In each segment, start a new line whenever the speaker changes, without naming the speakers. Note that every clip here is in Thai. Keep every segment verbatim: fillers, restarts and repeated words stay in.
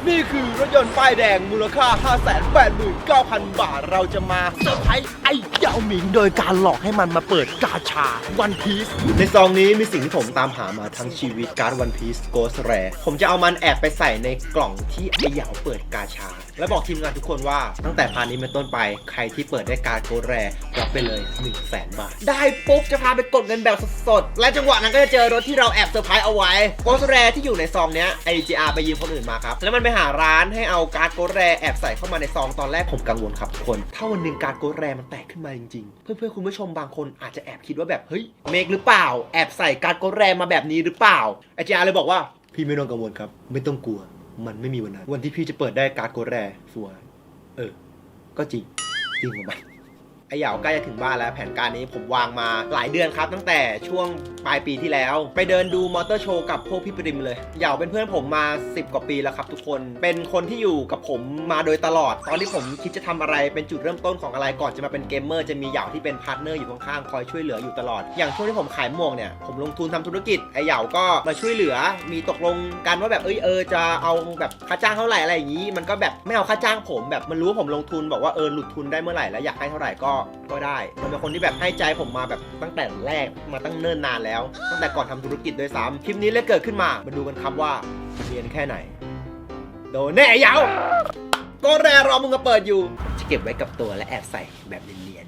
นี่คือรถยนต์ป้ายแดงมูลค่า ห้าแสนแปดหมื่นเก้าพัน บาทเราจะมาเซอร์ไพรส์ไอ้เจ้าหมิงโดยการหลอกให้มันมาเปิดกาชาวันพีซในซองนี้มีสิ่งที่ผมตามหามาทั้งชีวิตการ์ดวันพีซโกสแรผมจะเอามันแอบไปใส่ในกล่องที่ไอ้เหยาเปิดกาชาและบอกทีมงานทุกคนว่าตั้งแต่พาร์ทนี้เป็นต้นไปใครที่เปิดได้การ์ดโกสแรรับไปเลย หนึ่งแสน บาทได้ปุ๊บจะพาไปกดเงินแบบสดๆและจังหวะนั้นก็จะเจอรถที่เราแอบเซอร์ไพรส์เอาไว้โกสแรที่อยู่ในซองเนี้ยไอ จี อาร์ ไปยืมคนอื่นมาครับแล้วมันไปหาร้านให้เอาการ์ดโกสแรแอบใส่เข้ามาในซองตอนแรกผมกังวลครับทุกคนถ้าวันหนึ่งการ์ดโกสแรมันแตกขึ้นมาจริงๆเพื่อนๆคุณผู้ชมบางคนอาจจะแอบคิดว่าแบบเฮ้ยเมกหรือเปล่าแอบใส่การ์ดโกสแรมาแบบนี้หรือเปล่าไอ จี อาร์ เลยบอกว่าพี่ไม่ต้องกังวลครับไม่ต้องกลัวมันไม่มีวันนั้นวันที่พี่จะเปิดได้การ์ดโกสแรฟัวเออก็จริงจริงของมันไอเหยาใกล้จะถึงบ้านแล้วแผนการนี้ผมวางมาหลายเดือนครับตั้งแต่ช่วงปลายปีที่แล้วไปเดินดูมอเตอร์โชว์กับพวกพี่ปริมเลยเหยาเป็นเพื่อนผมมาสิบกว่าปีแล้วครับทุกคนเป็นคนที่อยู่กับผมมาโดยตลอดตอนที่ผมคิดจะทำอะไรเป็นจุดเริ่มต้นของอะไรก่อนจะมาเป็นเกมเมอร์จะมีเหยาที่เป็นพาร์ทเนอร์อยู่ข้างๆคอยช่วยเหลืออยู่ตลอดอย่างช่วงที่ผมขายหมวกเนี่ยผมลงทุนทำธุรกิจไอเหยาก็มาช่วยเหลือมีตกลงกันว่าแบบเอ้ยเออจะเอาแบบค่าจ้างเท่าไหร่อะไรอย่างนี้มันก็แบบไม่เอาค่าจ้างผมแบบมันรู้ว่าผมลงทุนบอกว่าเออหลุดทุนได้เมื่อไหร่แล้วอยากให้เท่าไหร่ก็ก็ได้มันเป็นคนที่แบบให้ใจผมมาแบบตั้งแต่แรกมาตั้งเนิ่นนานแล้วตั้งแต่ก่อนทำธุรกิจด้วยซ้ำคลิปนี้เลยเกิดขึ้นมามาดูกันครับว่าเรียนแค่ไหนโดนแน่ยาวก็แรรอมึงก็เปิดอยู่จะเก็บไว้กับตัวและแอบใส่แบบเนียน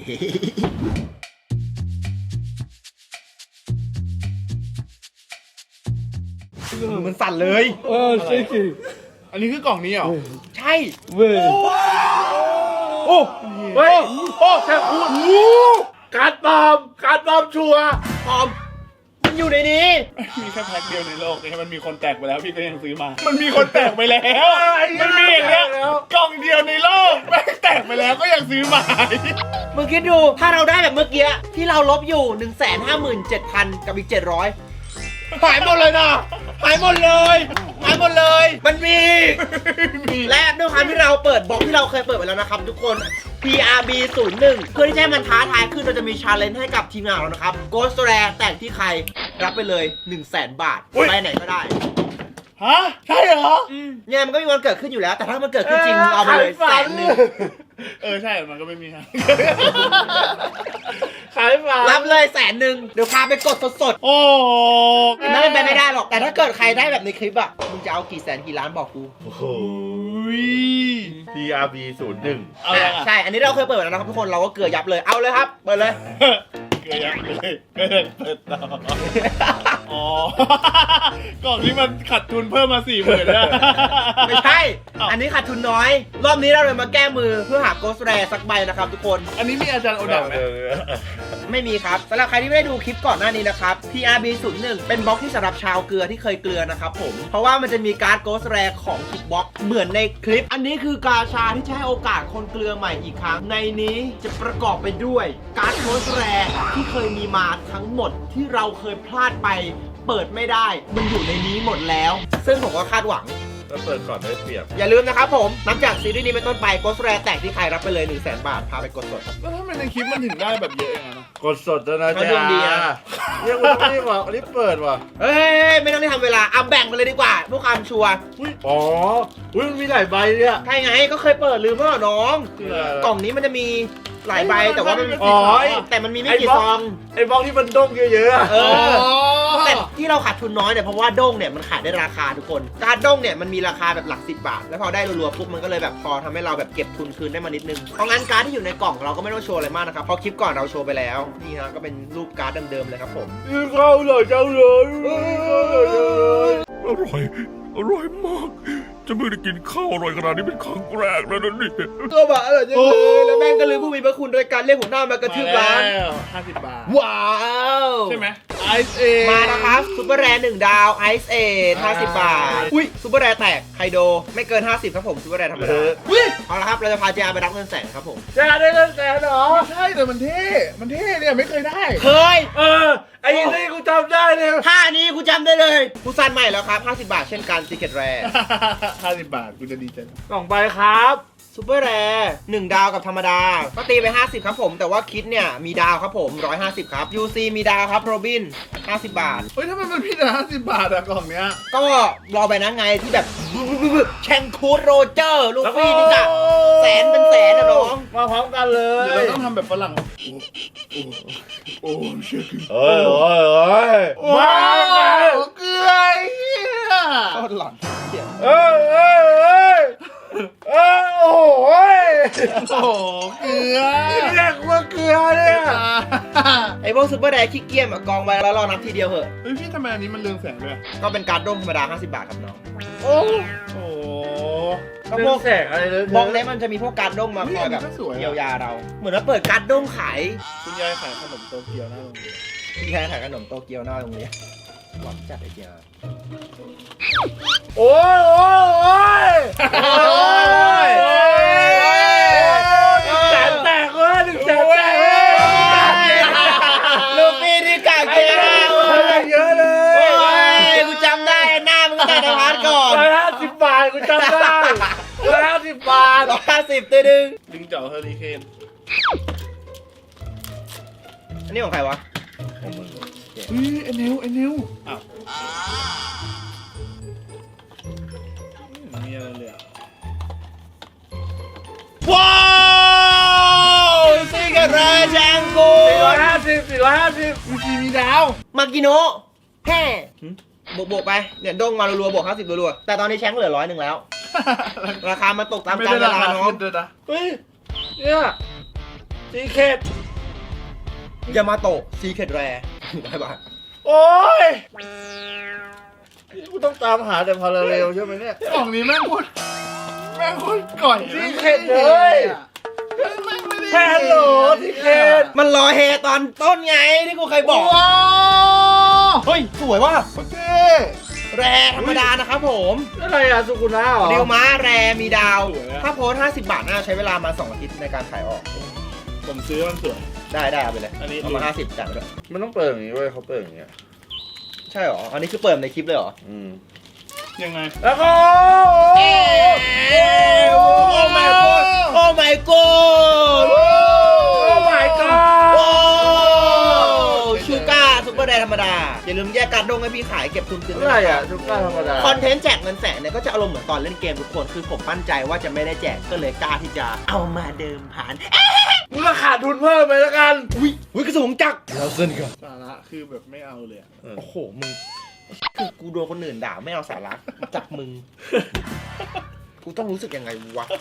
ๆมันสั่นเลย
เออใช่สิ
อันนี้คือกล่องนี้เหรอ
ใช่
เว้ย
โอ้เฮ้ยโอ้แค่พูดการปลอมการปลอมชัวร์
ปลอมมันอยู่ในนี้
มีแค่แพ็คเดียวในโลกที่มันมีคนแตกไปแล้วพี่ก็ยังซื้อมามันมีคนแตกไปแล้วมันมีอย่างเงี้ยกล่องเดียวในโลกแม่งแตกไปแล้วก็ยังซื้อมา
มึงคิดดูถ้าเราได้แบบเมื่อกี้ที่เราลบอยู่ หนึ่งแสนห้าหมื่นเจ็ดพัน กับอีกเจ็ดร้อยหายหมดเลยนะหายหมดเลยหายหมดเลยมันมีและด้วยความที่เราเปิดบล็อกที่เราเคยเปิดไปแล้วนะครับทุกคน พี อาร์ บี ศูนย์หนึ่ง เพื่อที่ให้มันท้าทายขึ้นเราจะมีชาเลนจ์ให้กับทีมงานเรานะครับ Ghost Rare แต่งที่ใครรับไปเลย หนึ่งแสน บาทไปไหนก็ได้
ฮะใช่เหรอ
อืมเนี่ยมันก็มีวันเกิดขึ้นอยู่แล้วแต่ถ้ามันเกิดขึ้นจริงเอาไปเลยแสนหนึ่ง
เออใช่มันก็ไม่มีฮะขายฝา
รับเลยแสนหนึ่งเดี๋ยวพาไปกดสดๆ
โอ้
นั่นเป็นไปไม่ได้หรอกแต่ถ้าเกิดใครได้แบบในคลิปอ่ะมึงจะเอากี่แสนกี่ล้านบอกกู
โอ้โห พี อาร์ บี ศูนย์หนึ่ง
ใช่อันนี้เราเคยเปิดแล้วนะครับทุกคนเราก็เกลือยับเลยเอาเลยครับเปิดเลย
เกลือยับเลยเปิดต่ออ๋อกล่องนี้มันขาดทุนเพิ่มมาสี่หมื่นแล้ว
ไม่ใช่อันนี้ขาดทุนน้อยรอบนี้เราเลยมาแก้มือเพื่อหาโกสแรสักใบนะครับทุกคน
อันนี้มีอาจารย์โอดะไหม
ไม่มีครับสำหรับใครที่ไม่ได้ดูคลิปก่อนหน้านี้นะครับ พี อาร์ บี ศูนย์หนึ่ง เป็นบล็อกที่สำหรับชาวเกลือที่เคยเกลือนะครับผมเพราะว่ามันจะมีการ์ดโกสแรของทุกบล็อกเหมือนในคลิปอันนี้คือกาชาที่จะให้โอกาสคนเกลือใหม่อีกครั้งในนี้จะประกอบไปด้วยการ์ดโกสแรที่เคยมีมาทั้งหมดที่เราเคยพลาดไปเปิดไม่ได้มันอยู่ในนี้หมดแล้วซึ่งผมก็คาดหวัง
ถ้าเปิดก่อนได้เปรียบ
อย่าลืมนะครับผมนับจากซีรีส์นี้เป็นต้นไปโกสแรแตกที่ใครรับไปเลย หนึ่งแสน บาทพาไปกดสด
แล้วทำไมในคลิปมันถึงได้แบบเยอะอย่างนั้น
กดสดนะจ๊ะเนี่ยคุณไม่บอกอันนี้เปิดว่ะ
เฮ้ยไม่ต้องได้ทำเวลาเอาแบ่งไปเลยดีกว่าเพื่อความชัวร์
อ๋ออุ้ยมันมีหลายใบเนี่ย
ใช่ไงก็เคยเปิดลืมเมื่อน้องกล่องนี้มันจะมีหลายใบแต่ว่ามัน
อ๋อ
แต่มันมีไม่กี่ซอง
ไอ้บล็อกที่มันด้งเยอะๆ
เออแต่ที่เราขาดทุนน้อยเนี่ยเพราะว่าด้งเนี่ยมันขายได้ราคาทุกคนการด้งเนี่ยมันมีราคาแบบหลักสิบบาทแล้วพอได้รัวๆปุ๊บมันก็เลยแบบพอทำให้เราแบบเก็บทุนคืนได้มานิดนึงเพราะงั้นการ์ดที่อยู่ในกล่องเราก็ไม่ต้องโชว์อะไรมากนะครับเพราะคลิปก่อนเราโชว์ไปแล้วนี่ฮะก็เป็นรูปการ์ดเดิมๆเลยครับผม
เข้าเลยเจ้าเลย
อร่อยอร่อยมากจะไม่ได้กินข้าวอร่อยขนาดนี้เป็นครั้งแรกแล้วนะนี่
ก็แบบอร่อยจังเลยแล้วแม่งก็ลืมผู้มีพระคุณโดยการเรียกผมหน้ามากระทืบร้าน
ห้าสิบบาท
ว้าว
ใช่ไหมไอซ์เอ
มานะครับซุปเปอร์แรร์หนึ่งดาวไอซ์เอห้าสิบบาทอุ้ยซุปเปอร์แรร์แตกไฮโดไม่เกินห้าสิบครับผมซุปเปอร์แรร์ธรรมดาอุ้ยเอาละครับเราจะพาเจอาไปรับเงินแสนครับผม
เจอาได้เงินแสนเหรอ
ใช่แต่มันเท่มันเท่เนี่ยไม่เคยได้
เคย
เออไอ้นี่กูจำได้เลย
ท่านี้กูจำได้เลยกูซันใหม่แล้วครับห้าสิบบาทเช่นกันซีเคร็ตแรร์
ห้าสิบบาทกูจะดีใจ
กล่องใบครับ
ซูเปอร์แรร์หนึ่งดาวกับธรรมดาก็ตีไปห้าสิบครับผมแต่ว่าคิดเนี่ยมีดาวครับผมหนึ่งร้อยห้าสิบครับ ยู ซี มีดาวครับโรบินห้าสิบบาท
เฮ้ยทำไมมันพี่แต่ห้าสิบบาทอะกล่องเนี้ย
ก็รอไปนะไงที่แบบแชงคูดโรเจอร์ลูฟี่นี่จ้ะแสนเป็นแสนนะน้อง
มาพร้อมกันเล
เดี๋ยวย เราต้องทำแบบฝรั่งโอ้โอ้เชื่อ
เฮ้ยเฮ้ยเฮ้ย
ว้าวเกลือเฮีย
ก็หล่อนเขียน
เอ้ยเอ้ยเอ้ยเอ้ยโอ้โหย
โอ้โหเกลือ
เรียกว่าเกลือเนี่ย
ไอ้พวกซูเปอร์แรร์ขี้เกียจอะกองไว้แล้วรอนับทีเดียวเหอะ
เฮ้ยพี่ทำไมอันนี้มันเรืองแสงด้วย
ก็เป็นการ์ดด้งธรรมดาห้าสิบบาทครับน้อง
โอ้
โอ้
ก็
ก็
พ
พ
ว
ว
ก
กแสกอะไรเลย
บล็อกนี้มันจะมีพวกการ์ดด้งมาคอยแบบเยียวยาเรา เหมือนว่าเปิดการ์ดด้งขาย
คุณยายขายขนมโตเกียวหน้าโรงเรียน
ที่แค่ขายขนมโตเกียวหน้าโรงเรียนหวังจัดไอ้เกียร์
โอ้ยโอ้ยโอ้ยโอ้ยหนึ่งแสนแตกเลยหนึ่งแสนแตกเลย
ลูฟี่ที่กากเกียร์
เยอะเล
โอ้
ย
ยกูจำได้หน้ามึงแต่ในพาร์ทก่อน
ร้อยห้าสิบบาทกูจำได้ร้อยห้าสิบบาท
ร้อยห้าสิบตัวดึง
ลิงเจาะเฮอริเคน
อันนี้ของใครวะ
เฮ้ยไอ้นิวไอ้นิวอ้าวไม่มีอะไรเลยอะ
ว้าวซิกเรจังกู
สี่ร้อยห้าสิบสี่ร้อยห้าสิบ
มีจีมีดาว
มากิโนะแฮ่บวกบวกๆไปเนี่ยด้งมารัวๆบวกห้าสิบรัวๆแต่ตอนนี้แชงเหลือร้อยหนึ่งแล้ว ราคามันตกตาม
ไม่
กาล
ได้
เว
รา
ลา
คา
น้อง
ขึ้นด้วยนะ
เฮ้ยเนี่ยซีเคท
ยามาโตะซีเคดแรร์ได้ปะ
โอ้ยกูต้องตามหาแต่พาราเรลใช่ไหมเนี่ย
กล่องนี้แม่งโคตรแม่งโคตรก่อย
ซีเคทเลย
แม่งไม่ได้
แค่ฮัลโหลซีเคท
มันรอเฮตอนต้นไงที่กูเคยบอก
ว้าว
เฮ้ย สวยว่ะ
โอเค
แรร์ธรรมดานะครับผม
อะไรอะสุกุนะเหรอ
ดิวม้าแรร์มีดาว ถ้าโพสห้าสิบบาทน่าใช้เวลามาสองอาทิตย์ในการขายออก
ผมซื้อมันสวย
ได้ได้เอาไปเลย
อันนี้
เอามาห้าสิบจ่ายไปด้วย
มันต้องเปิดอย่างนี้เว้ยเขาเปิดอย่างเงี้ย
ใช่หรอ อันนี้คือเปิดในคลิปเลยเหรอ
อืม
ยังไง
แล้วก็
โอ้ my god โอ้ my god
โอ้ my god
โอ้ชูก้าซุปเปอร์แดร์ธรรมดา อย่าลืมแยกการดงให้พี่ขายเก็บทุนคืน
เท่าไหร่อะทุกก้าธรรมดา
คอนเทนต์แจกเงินแสนเนี่ยก็จะอารมณ์เหมือนตอนเล่นเกมทุกคน คือผมมั่นใจว่าจะไม่ได้แจกก็เลยกล้าที่จะเอามาเดิมผ่าน
มึงก็ขาดทุนเพิ่มไปแล้วกัน
อุ้ยอุ้ยกระสุนจักรเราเส้นกัน
สาระคือแบบไม่เอาเลยอะ
โอ้โห มึง คือกูโดนคนอื่นด่าไม่เอาสาระจากมึง กูต้องรู้สึกยังไงวะ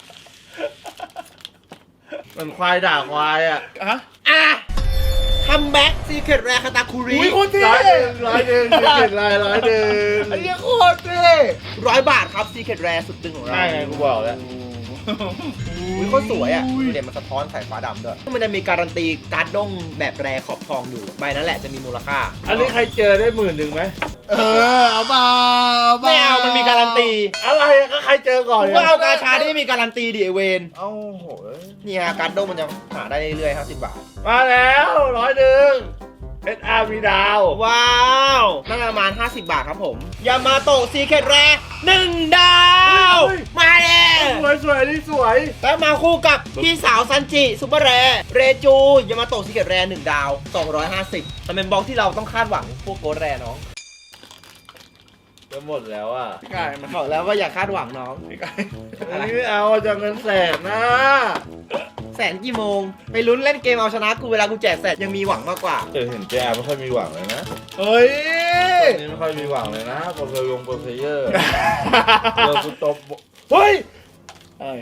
มันควายด่าควายอะ
อะ
อ่ะคัมแบ็กซีเคทแรคาตาคุริ
อุ้ยโคตรเท่
ร้อยหนึ่งร้อยหนึ่งเจ็ดลายร้อยหนึ่ง
ไอ้เหี้ยโคตรเท่
ร้อยบาทครับซีเคทแรสุดตึงของเรา
ใช่ไงกูบอกแล้ว
อุ้ยโคตรสวยอ่ะดูเดี๋ยวมันสะท้อนสายฟ้าดำด้วยมันจะมีการันตีการ์ดด้งแบบแรขอบทองอยู่ใบนั้นแหละจะมีมูลค่า
อันนี้ใครเจอได้หมื่นหนึ่งไหม
เออเอาเปล่าเอาเปล่
ไม่เอามันมีการันตี
อะไรอะก็ใครเจอก่อน
กูก็เอากาชาที่ไม่มีการันตีดิไอเวน
เอ้าโหย
นี่ฮะการ์ดด้งมันจะหาได้เรื่อยๆห้าสิบบาท
มาแล้วร้อยหนึ่งเอสอาร์มีดาว
ว้าวน่าจะประมาณห้าสิบบาทครับผม ยามาโตะซีเคทแรหนึ่งดาว มาเลย
สวยสวยนี่สวย
แล้วมาคู่กับพี่สาวซันจิซุปเปอร์แรเรจูยามาโตะซีเคทแรหนึ่งดาวสองร้อยห้าสิบมันเป็นบล็อกที่เราต้องคาดหวังพวกโกดแรน้อง
จะหมดแล้วอ่ะ
พี่กายมัน
บอกแล้วว่าอย่าคาดหวังน้อง
พี่กาย
อันนี้ไม่เอาจะเงินแสนนะ
แสนกี่โมง ไปลุ้นเล่นเกมเอาชนะกูเวลากูแจกแสนยังมีหวังมากกว่า
เออเห็นเจอาไม่ค่อยมีหวังเลยนะ
เฮ้ย
ตอนนี้ไม่ค่อยมีหวังเลยนะโปรเฟลงโปรเฟเยอร์เจอกูตบเฮ้ย
เอ้ย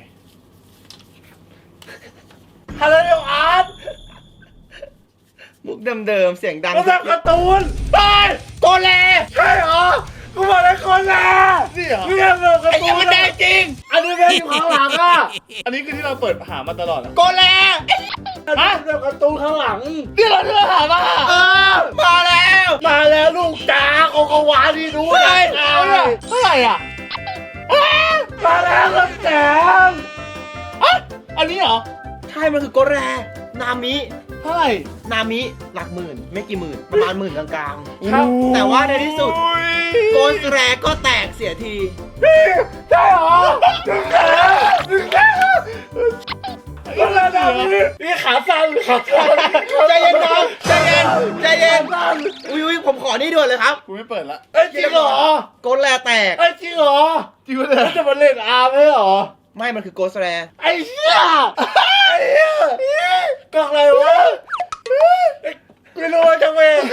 ฮัลโหลอาร์ต
มุกเดิมๆเสียงดัง
ก็แบบการ์ตูนตาย
โกแล
ใช่เหรอกูบอกได้คนละ
นี่เหรอ
นี่แบบการ์
ไอ้
ตู
ยัง
น
มันแดงจริง
อันนี้แม่งอยู่ข้างหลังอ่ะ
อันนี้คือที่เราเปิดหามาตลอดนะ
โกแล
อันนี้แบบการ์ตูนข้างหลัง
นี่เราที่เราหามา
เออมาแล้ว
มาแล้วลูกจ๋าโกโกวาที่ดู
เฮ้
เลย
ย
เท่าไหร่อ่ะ
มาแล้วลูกจ๋า
อ่ะอันนี้เหรอ
ใช่ มันคือโกแลนามิ
เท่าไหร่
นามิหลักหมื่น ไม่กี่หมื่น ประมาณหมื่นกลางๆ แต่ว่าในที่สุด โกสแรก็แตกเสียที
ใช่เหรอถึงแล้วถึงแล้ว
ใจเย็นน้องใจเย็นใจเย็นอุ้ยอุ้ยผมขอนี่ด่วนเลยครับ
กูไม่เปิดละ
เอ้ยจริงเหรอ
โกดแลแตก
เอ้ยจริงเหรอ
จริงปะเนี่ย
แล้วจะมาเล่นอาร์ไม่เหรอ
ไม่มันคือโกดแล
ไอ้เหี้ยไอ้เหี้ยกล่องอะไรวะไม่รู้ว่าจะเว้ย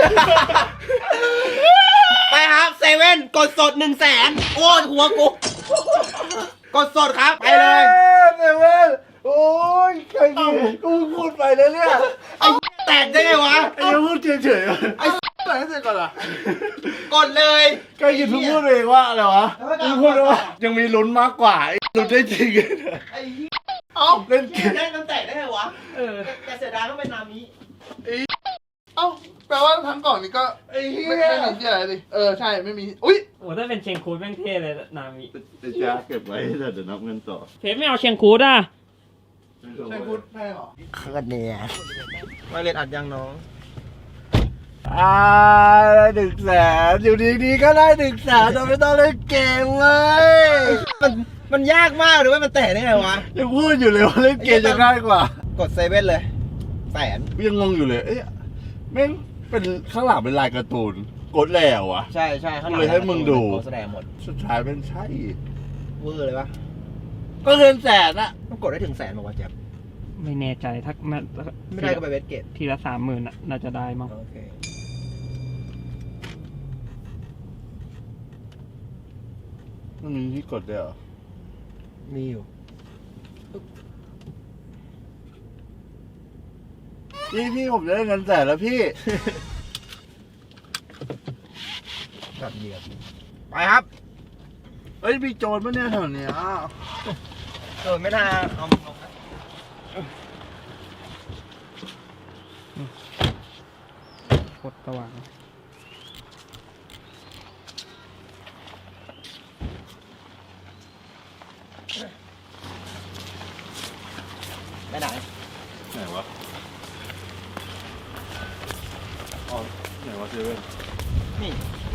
ไปครับเซเว่นกดสดหนึ่งแสนโอ้ยหัวกูกดสดครับไปเลย
เซเว่นโอ้ยใครดีกูพูดไปแล้วเนี่ย
ไอ้แตกได้ไงวะ
ไอ้ยังพูดเฉยๆ
ไอ้ไหนเสร็จก่อนล่ะ
กดเลย
ใครยินพูดเองว่าอะไรวะมึงพูดว่ายังมีลุ้นมากกว่าไอ้ลุ้นได้จริง
ไอ้
เอ้า
เล่นเกม
ได้มันแตกได้ไงวะ
เออ
แต่เสียดายต้องเป็นนามิ
เอ้าแปลว่าทั้งกล่องนี้ก็
ไอ้เหี้
ไม่
ย
ไม่มีที่อะไรดิเออใช่ไม่มีอุ้ย
โอ้ถ้าเป็นเชียงคูดแม่งเท่เลยนามิ
จะเก็บไว้แต่เดี๋ยวนับเงินต่อ
เพชรไม่เอาเชียงคูดอ่ะ
ใช่พูดแพ้หรอ
เคิร์ดเนี่ยมาเรียนอัดยังน้อง
อ่าได้หนึ่งแสนอยู่ดีๆก็ได้หนึ่งแสนโดยไม่ต้องเล่นเกมเลย
มันมันยากมากเลยว่ามันแตกได้ไงวะ
ยังพูดอยู่เลยว่าเล่นเกมจะง่ายกว่าก
ดเซเว่นเลยแสน
ยังงงอยู่เลยเอ๊ะแม่งเป็นข้างหลังเป็นลายการ์ตูนกดแล้วอะ
ใช่ใช่ข้างหลัง
เลยให้มึงดู
โฆษณาหมด
สุดท้ายเป็นใช่
เวอร์เลยปะ
ก็เงินแสนอะ
มันกดได้ถึงแสนบอกว่าแจ๊บ
ไม่แน่ใจถ้ามัน
ไม่ได้ก็ไปเวทเกต
ทีละสามหมื่นอ่ะน่าจะได้มั้ง
โอเค
มันมีที่กดด้วยเหรอ
มีอยู่
พี่พี่ผมจะได้เงินแสนแล้วพี่
แบบเหยียบไปครับ
เฮ้ยมีโจรปะเนี่ยแถวเนี้ย
เออไม่น่าเอาเอานะ
กดสว่าง
ไปไหน
ไหนวะอ๋อไหนวะเซเว่น
นี่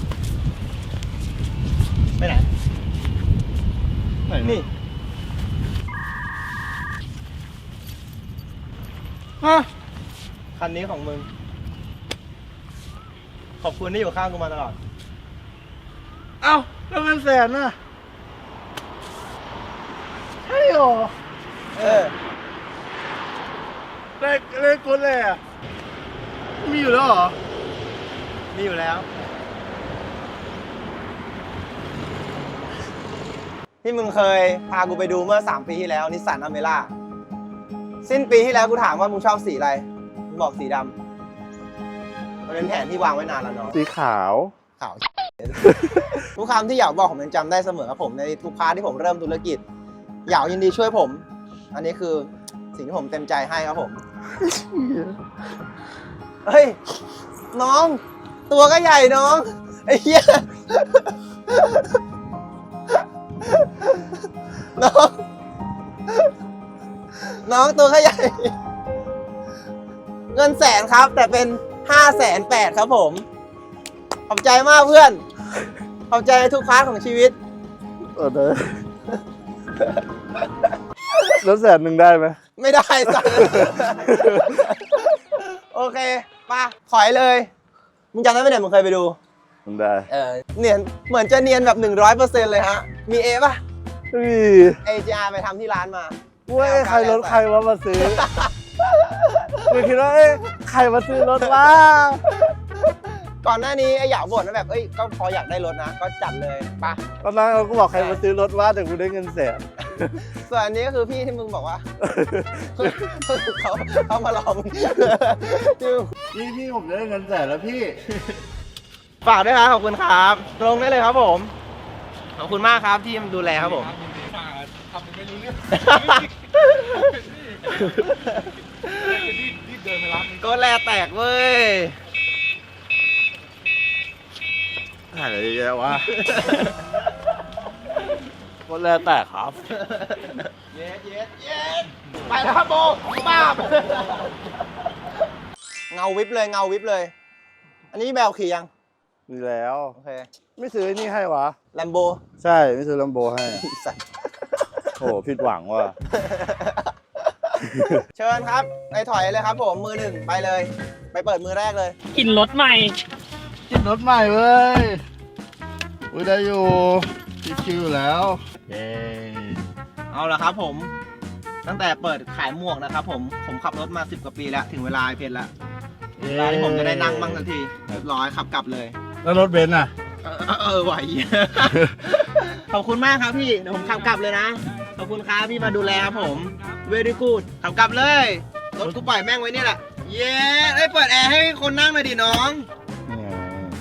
ไปไหน
ไหน
นี่
ฮะ
คันนี้ของมึง ขอบคุณที่อยู่ข้างกูมาตลอด
เอ้าแล้วเงินแสนน่ะใช่หรอ
เออ
เลขเลขกดเลยอะมีอยู่แล้วเหรอ
มีอยู่แล้ว ที่มึงเคยพากูไปดูเมื่อสามปีที่แล้วนิสสันอเมร่าสิ้นปีที่แล้วกูถามว่ามึงชอบสีอะไรมึงบอกสีดำมันเป็นแผนที่วางไว้นานแล้วเนาะ
สีขาว
ขาว ทุกคำที่เหยาบอกผมยังจำได้เสมอครับผมในทุกพาร์ทที่ผมเริ่มธุรกิจเหยายินดีช่วยผม อันนี้คือสิ่งที่ผมเต็มใจให้ครับผมเฮ้ยน้อง ตัวก็ใหญ่น้องไอ้เหี้ยน้องน้องตัวก็ใหญ่เงินแสนครับแต่เป็นห้าแสนแปดครับผมขอบใจมากเพื่อนขอบใจในทุกพาร์ทของชีวิต
เออเด้อแล้วแสนหนึ่งได้ไหม
ไม่ได้สัก โอเคป่ะถอยเลยมึงจำได้ไหมเนี่ยมึงเคยไปดู
ได้
เออเนียนเหมือนจะเนียนแบบหนึ่งร้อยเปอร์เซ็นต์เลยฮะมีเอป่ะ
มี
เอจีอาร์ไปทำที่ร้านมา
เว้ยใครรถใครวะมาซื้อกูคิดว่าเอ้ยใครมาซื้อรถวะ
ก่อนหน้านี้ไอ้หยาบ่นว่าแบบเอ้ยก็พออยากได้รถนะก็จัดเลยป่ะ
ตอนนั้นเราก็บอกใครมาซื้อรถวะแต่กูได้เงินแสน
ส่วนอันนี้ก็คือพี่ที่มึงบอกว่า เขาเขามาลอง
พี่พี่ผมได้เงินแสนแล้วพี่
ฝากด้วยครับขอบคุณครับลงได้เลยครับผมขอบคุณมากครับที่ดูแลครับผม
ทำเป็นไม่รู้เรื่องรีบเดินไปร้าน
ก็แลแตกเว้ย
อะไรเยอะวะคนแรกแตกครับ
เย็ดเย็ดเย็ดไปแล้วครับโบป้าบเงาวิบเลยเงาวิบเลย อันนี้แบลขี่ยัง
มีแล้ว
โอเค
ไม่ซื้อไอ้นี่ให้วะ
แลมโบ
ใช่ไม่ซื้อลัมโบให้
สัตว์
โอ้ผิดหวังว่ะ
เชิญครับในถอยเลยครับผมมือหนึ่งไปเลย ไปเปิดมือแรกเลย
กินรถใหม่
กินรถใหม่เว้ยอุ้ยได้อยู่ชิวๆอยู่แล้วเย้
เอาละครับผม ตั้งแต่เปิดขายหมวกนะครับผมผมขับรถมาสิบกว่าปีแล้วถึงเวลาไอ้เพชรแล้วเวลาที่ผมจะได้นั่งบ้างทันทีเรียบร้อยขับกลับเลย
แล้วรถเบนซ์อ่ะ
เออเออเออไหว ขอบคุณมากครับพี่เดี๋ยวผมขับกลับเลยนะขอบคุณครับพี่มาดูแลครับผม very good ขับกลับเลยรถกูปล่อยแม่งไว้เนี่ยแหละเย้ไอ้ยเปิดแอร์ให้คนนั่งหน่อยดิน้อง
นี่ไง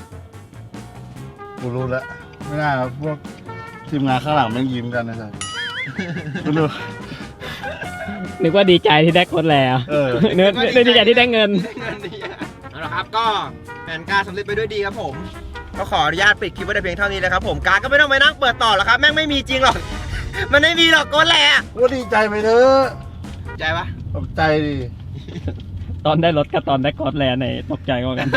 กูรู้แล้วไม่น่าพวกทีมงานข้างหลังแม่งยิ้มกันนะจ๊ะกูรู้
นึกว่าดีใจที่ได้รถแล้ว
เออ
นึกนึกดีใจที่ได้เงิน
ได้เงินดีอะเอาละครับก็แผนการสำเร็จไปด้วยดีครับผมก็ขออนุญาตปิดคลิปไว้แต่เพียงเท่านี้นะครับผมการก็ไม่ต้องไปนั่งเปิดต่อหรอกครับแม่งไม่มีจริงหรอก มันไม่มีหรอกโกนแหละ
กูดีใจไปเถอะ
ใจปะ
ตกใจดิ
ตอนได้รถกับตอนได้รถแล้วในตกใจกว่ากัน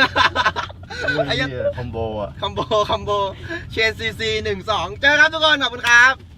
ไอ้ยั
เหี้
ง
ยคอมโบอ่ะ
คอมโบคอมโบเชนซีซีหนึ่งสองเจอครับทุกคนขอบคุณครับ